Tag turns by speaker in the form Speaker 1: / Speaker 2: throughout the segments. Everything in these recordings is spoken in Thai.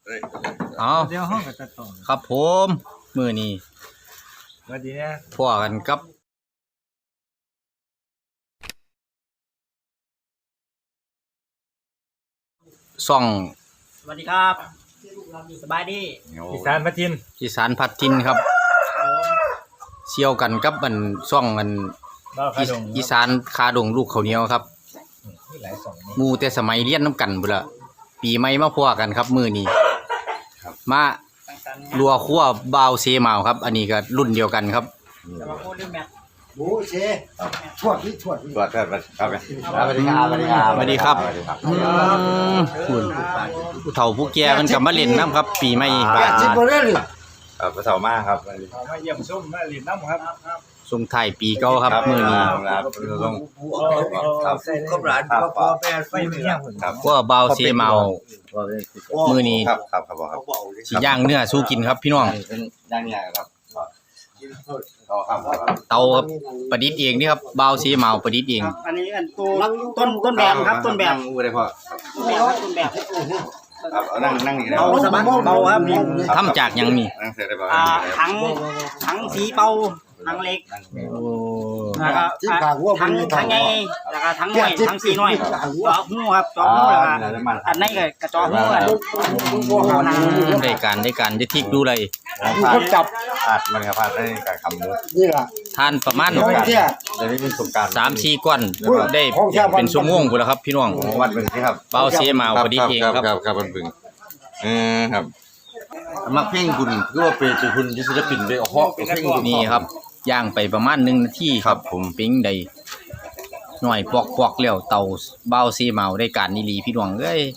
Speaker 1: เอา
Speaker 2: เดี๋ยวห้องกับตัดต่อ
Speaker 1: ครับผมมื้อนี้
Speaker 2: สวัสดีนะ
Speaker 1: พอกันกับซ่อง
Speaker 3: สวัสดีครับสบายดี
Speaker 2: อีสานพัทิน
Speaker 1: อีสานพัดทินครับเชี่ยวกันกับมันซ่องมันอีสานคาดงลูกข้าวเหนียวครับหมู่แต่สมัยเรียนน้ำกันพุ่นละปีใหม่มาพอกันครับมื้อนี้มาลัวคั่วบาวเซมาวครับอันนี้ก็รุ่นเดียวกันครับ
Speaker 3: จะมาพูดเรื่องแมท
Speaker 4: หมูเชทวดนี่ทวด
Speaker 5: ตรวจครับสวัสดีครับสวัสดีครับ
Speaker 1: สวัสดีครับคุณผู้เฒ่าผู้แก่มันก็มาเล่นน้ำครับปีใหม่
Speaker 4: จิบบ่ได้เลย
Speaker 5: ครับผู้เฒ่ามากครับ
Speaker 2: มาเยี่ยมชมมาเล่นน้ำครับ
Speaker 1: ส่งท้ายปีเก่าครับมื้อนี้
Speaker 5: ครับลง
Speaker 4: ครับครบหลานพ่อแม่ไฟเมีย
Speaker 5: ครับ
Speaker 1: ว่าบาวเซมาวมื้อนี้
Speaker 5: ครับ
Speaker 1: สิย่างเนื้อสู้กินครับพี่น้อง
Speaker 5: ย่างเนี่ยครับ
Speaker 1: เตาประดิษฐ์เองนี่ครับบาวเซมาวประดิษฐ์เอง
Speaker 3: อันนี้อันต้นแบบครับต้นแบบ
Speaker 5: อู้ได้พ่อ
Speaker 3: ต้นแบบ
Speaker 5: ครับนั่งนี่ได้
Speaker 3: เบาสบายเบาครับ
Speaker 1: ทำจากหยังนี่
Speaker 5: นั่งเสร็จได้ป่ะ
Speaker 3: ถังสีเบาถังเล็กแล้วก็ถังใหญ่แล้วก็ถังน้อยถังสีน้อยจอหูครับจอหูแล้วก็อันนี้ก็กระจอหู
Speaker 1: ได้การได้ทิกดูเลย
Speaker 4: คนจับ
Speaker 5: อาดมันครับอาดได้การคำนู้
Speaker 4: นี่ล่ะ
Speaker 1: ทานประมาณ
Speaker 5: เดี๋ยวนี้เป็นสงการ
Speaker 1: 3-4ก้อนได้เป็นชั่วโมงพุ่นแล้วครับพี่น้อง
Speaker 5: วัดบึงนี่ครับ
Speaker 1: บาวเซมาวประดิษฐ์เองครับ
Speaker 5: ครับวัดบึงครับมักเพ่งคุณคือว่าเป็นคุณศิลปินได้เหาะเพ่ง
Speaker 1: นี่ครับย่างไปประมาณ1 นาทีครับผมปิ้งได้หน่อยปอกแล้วเตาบาวเซมาวได้การนี่ลีพี่น้องเอ้ย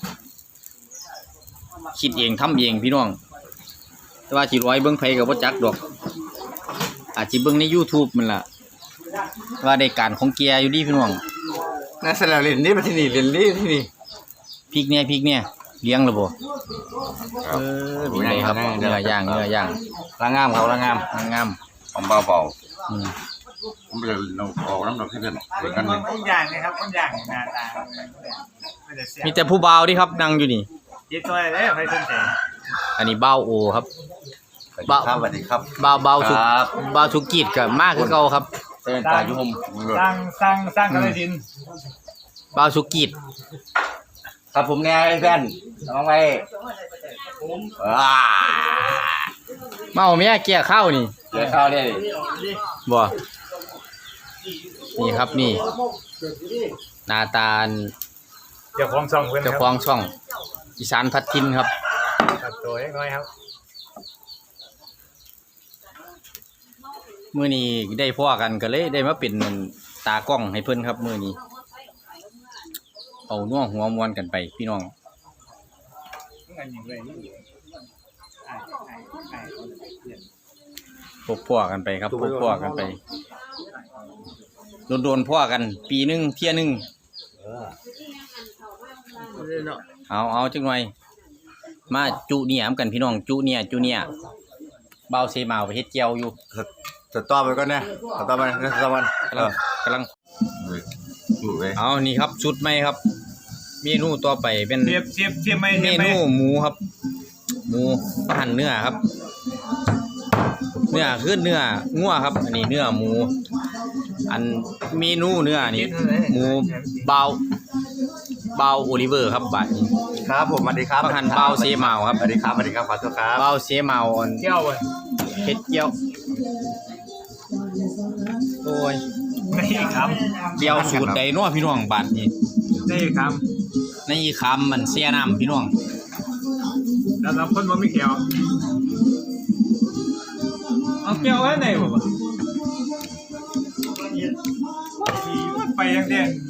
Speaker 1: คิดเองทำเองพี่น้องแต่ว่าสิร้อยเบิ่งไผก็บ่จักดอกอาจสิเบิ่งใน YouTube มันล่ะว่าได้การของแกอยู่ดีพี่น้อง
Speaker 5: น่าสละเล่นนี่มาที่นี่เล่นนี่ที่นี่
Speaker 1: พริกเนี่ยเลี้ยงแล้วบ่เป็นไงครับเนื้อย่าง
Speaker 5: ล้างงามเขาล้างงามผมเบาผมจะออกน้ำดอกที่เด่นเหมือนกันเลย
Speaker 2: ต้นอย่างนะครับต้นอย่างหน้าตา
Speaker 1: มีแต่ผู้บ่าวที่ครับนั่งอยู่นี่
Speaker 2: ยิบตัวเลยใครสนใจ
Speaker 1: อันนี้บ่าวโอครับ
Speaker 5: สวัสดีครับ
Speaker 1: บ่าวสุกีดก็มากคือเก่าครับ
Speaker 5: เป็นตายุ่ม
Speaker 2: สร้างกระดิน
Speaker 1: บ่าวสุกีด
Speaker 5: ครับผมไงเพื่อนน้องไง
Speaker 1: เมาเมียเกี่ยข้าวนี่บ่นี่ครับนี่หน้าตา
Speaker 2: เจ้าของช่องเพื่อน
Speaker 1: เจ้าของช่องอีสานพัดทินครับ
Speaker 2: ตัวเล็กน้อยครับ
Speaker 1: มื้อนี้ได้พ่อกันก็เลยได้มาเป็นตากล้องให้เพิ่นครับมื้อนี้เอาน่วหัวมวนกันไปพี่น้องพบพ่อกันไปครับพบพ่อกันไปโดนพ่อกันปีนึงเที่ยนึงเอาจังหน่อยมาจุเนี่ยมกันพี่น้องจุเนี่ยเบาเซมาวไปเฮ็ดเจียวอยู่
Speaker 5: สต๊อปไปก่อนนะสต๊อปไปนะสต๊อปมัน
Speaker 1: กำลังเอานี่ครับชุดใหม่ครับเมนูต่อไปเป็น
Speaker 2: เทียบไม่
Speaker 1: เมนูหมูครับหมูหั่นเนื้อครับเนื้อคือเนื้องัวครับอันนี้เนื้อหมูอันเมนูเนื้อนี่หมูเบาโอลิเวอร์ครับบัดนี้
Speaker 5: ครับผมสวัสดีครับ
Speaker 1: หั่นเบาเซมาวครับ
Speaker 5: สวัสดีครับขอโทษครับ
Speaker 1: เบาเซมาว
Speaker 2: เกี่ยว
Speaker 1: เฮ็ดเกี่ยวโอ้ย
Speaker 2: นี่ครับ
Speaker 1: เกี่ยวสูตรใดเนาะพี่น้องบัดนี้
Speaker 2: นี่ครับ
Speaker 1: ในคำมันเสียน้ำพี่น้อง
Speaker 2: แล้วเราคนมันไม่เกี่ยวเอาเกี่ยวไว้ไหนวะไปยังเด่น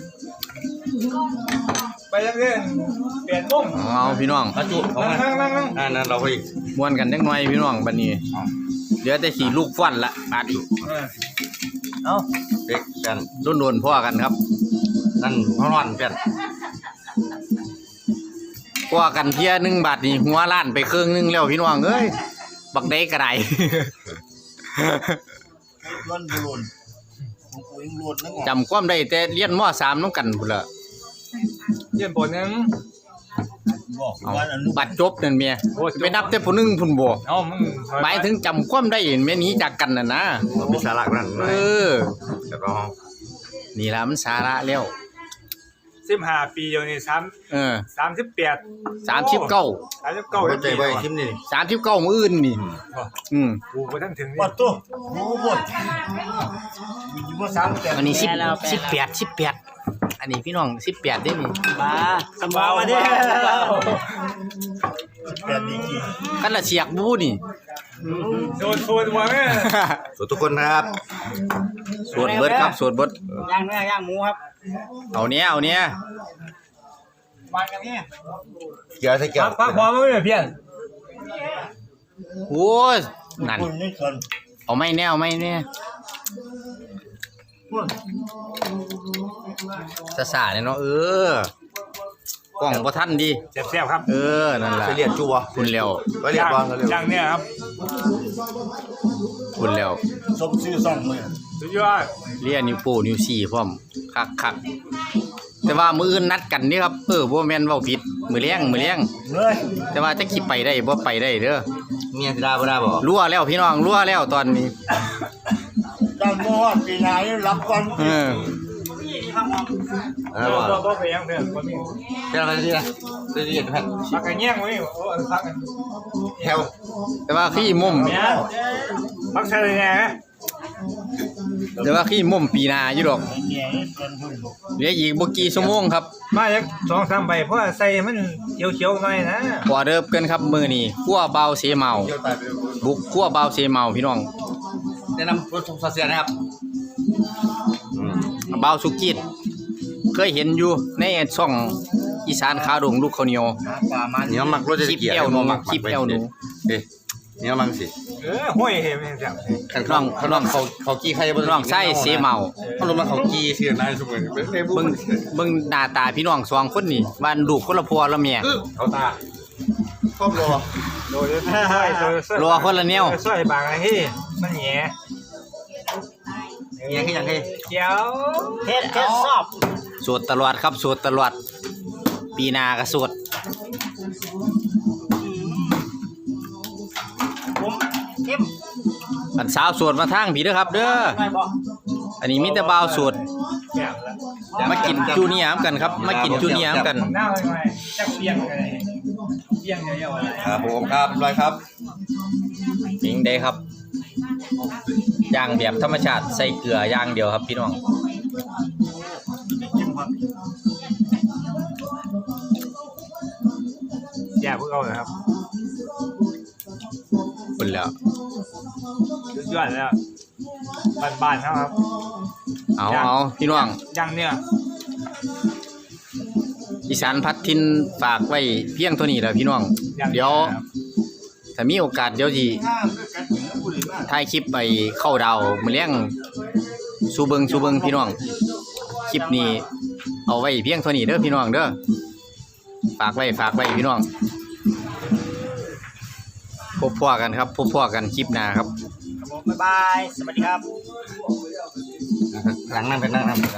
Speaker 2: เปลี่ยนมุม
Speaker 1: เอาพี่น้อง
Speaker 5: กระจุเขานั่นเราไป
Speaker 1: ม้วนกันจังหน่อยพี่น้องบัดนี้เดี๋ยวแต่ขี่ลูกฟันละบาดนี้
Speaker 2: เอา
Speaker 5: เด็กกัน
Speaker 1: โดนพ่อกันครับ
Speaker 5: นั่นพ่อนอนเพื่อน
Speaker 1: พ่อกันเที่ยนึงบาทนี่หัวล้านไปครึ่งนึงแล้วพี่น้องเอ้ยบักได้กระไดจำความได้แต่เรียนม.3 น้องกันพุ่นละ
Speaker 2: เรียนป.1
Speaker 4: บอก
Speaker 1: เอา
Speaker 4: ว่าอนุ
Speaker 1: บัดจบนั่นเมียไปนับแต่ผู้หนึงพุ่นบ่
Speaker 2: เอามึง
Speaker 1: หมายถึงจำความได้แม่หนี้จากกันน่ะนะ
Speaker 5: มีสาระนั่น
Speaker 1: เออ
Speaker 5: แล้วก็
Speaker 1: นี่ล่ะมันสาระแล้ว
Speaker 2: 15 ปีเดียวนี่
Speaker 1: เออ
Speaker 2: 38
Speaker 1: 39
Speaker 2: 39
Speaker 5: ใจไว้ทิมนี่
Speaker 1: 39มื้ออื่นนี่
Speaker 2: กูบ่ทันถึง
Speaker 4: วัดตัวรู้หมดอยู่ว่า3
Speaker 1: อันนี้18อันนี้พี่น้อง18ได้นี่
Speaker 3: มาสมองมาดิ
Speaker 4: แบบนี้กี่
Speaker 1: กันละเสียกบูนี่
Speaker 2: โดนชวนมาแม่
Speaker 5: สวัสดีทุกคนนะครับ
Speaker 1: สวดเบิดครับสวดเบิด
Speaker 3: ย่างเนื้อย่างหมูครับ
Speaker 1: เอาเนี้ย
Speaker 3: มากันนี่
Speaker 5: เกี่ยวใส่เกี่ยว
Speaker 2: พักพอมั้ยเพี้ยน
Speaker 1: โอ้ยนั่น
Speaker 4: คนนี่คน
Speaker 1: เอาไม่แน่สาเนี่ยเนาะกล้องบ่ทันดี
Speaker 2: แซ่บๆครับ
Speaker 1: นั่นล่ะ
Speaker 5: ไปเรียนจูวะ
Speaker 1: คุณแล้ว
Speaker 5: ไปเรียนบอลกันเร็ว
Speaker 2: อย่างเนี้ยครับ
Speaker 1: คุณแล้ว
Speaker 4: สมชื่อซ่องมือ
Speaker 2: สุดยอด
Speaker 1: เรียนนิ้วโป้นิ้วสี่พร้อมคักแต่ว่ามื้ออื่นนัดกันนี่ครับบ่แม่นเว้าผิดมื้อแลง
Speaker 4: เลย
Speaker 1: แต่ว่าจะขี่ไปได้บ่ไปได้เด้อ
Speaker 5: เมียสิได้บ่ได้บ่
Speaker 1: รั่วแล้วพี่น้องรั่วแล้วตอนนี้
Speaker 4: จำบ่ว่าปีไหนรับก่อน
Speaker 2: บ่ไปยังเด้อบ่มี
Speaker 5: เจ้าอะไรที่นะจะเรียนแพทย์
Speaker 2: พักกันแย่งไว้โอ้พักกัน
Speaker 5: แถว
Speaker 1: แต่ว่าขี้มุม
Speaker 2: เนี่ยพักใช่แน่
Speaker 1: แต่ว่าขี้มุมปีหน้าอยู่ดอก
Speaker 4: เนี่ยเป็นหุ่น
Speaker 1: เหลืออีกบ่กี่ชั่วโมงครับ
Speaker 2: มาจัก2-3ใบเพราะใส่มันเขียวๆหน่อยนะ
Speaker 1: พอเดิบกันครับมื้อนี้คั่วเบาเสเมา
Speaker 5: เกี่ยวตายไป
Speaker 1: บุกคั่วเบาเสเมาพี่น้อง
Speaker 5: แนะนำรถทุกสาเสียนะครับ
Speaker 1: เบาสุกิตเคยเห็นอยู่ในช่องอีสานขาดงลูกข้าวเหนียว
Speaker 4: ปลามัน
Speaker 5: เนี่ยมักรถจะ
Speaker 1: คลิป
Speaker 5: เกี่ยว
Speaker 1: แอวหนูคลิปแอวหนู
Speaker 5: เอ๊ะเนี่ยมังสิ
Speaker 2: ห้อยเห็นแซ่บ
Speaker 5: น้องเขากี้ใครบ่
Speaker 1: น้องไส้เสเมา
Speaker 5: เขาลงมาเขากี้เสียนายสมัยเป็นเฟซบุ๊ก
Speaker 1: เบิ่งหน้าตาพี่น้องสองคนนี่บ้านลูกคนละพัวละเมีย
Speaker 5: เขาตาครอบรอ
Speaker 2: โดยห้อยโดย
Speaker 1: รัวคนละแนว
Speaker 2: ซอยบางไอ้เฮ้มันแหย่
Speaker 5: เงี้ยคือยังไง
Speaker 2: เขียว
Speaker 3: เทศสอบ
Speaker 1: สวดตลอดครับสวดตลอดปีหน้าก็สวด
Speaker 3: ผมเข้ม
Speaker 1: อันสาวสวดมาทางพี่เด้อครับเด้อ
Speaker 3: ไม่บอก
Speaker 1: อันนี้มีแต่บ่าวสวด
Speaker 2: แบบละ
Speaker 1: มากินจูเนียร์กันครับมากินจูเนียร์กัน
Speaker 2: หน้าไปไหมจักเปียงอะไรเปียงเยอะๆอะไร
Speaker 5: ครับผมครับร้อยครับ
Speaker 1: ยิงได้ครับย่างแบบธรรมชาติใส่เกลือย่างเดียวครับพี่น้อง
Speaker 2: อย่าพวกเราเลยครับ
Speaker 1: คุณแล้ว
Speaker 2: สุดยอดแล้วบ้านๆครับ
Speaker 1: เอาพี่น้อง
Speaker 2: ยังเนี่ย
Speaker 1: อีสานพัดทินฝากไว้เพียงเท่านี้แหละพี่น้องเดี๋ยวถ้ามีโอกาสเดี๋ยวสิถ่ายคลิปไปเข้าดาวมื้อเลี้ยงสู่เบิงพี่น้องคลิปนี้เอาไว้เพียงเท่านี้เด้อพี่น้องเด้อฝากไว้พี่น้องพบกันครับพบกันคลิปหน้าครับ
Speaker 3: บ๊ายบาย สวัสดีครับ
Speaker 5: หลังนั่งเป็นนั่ง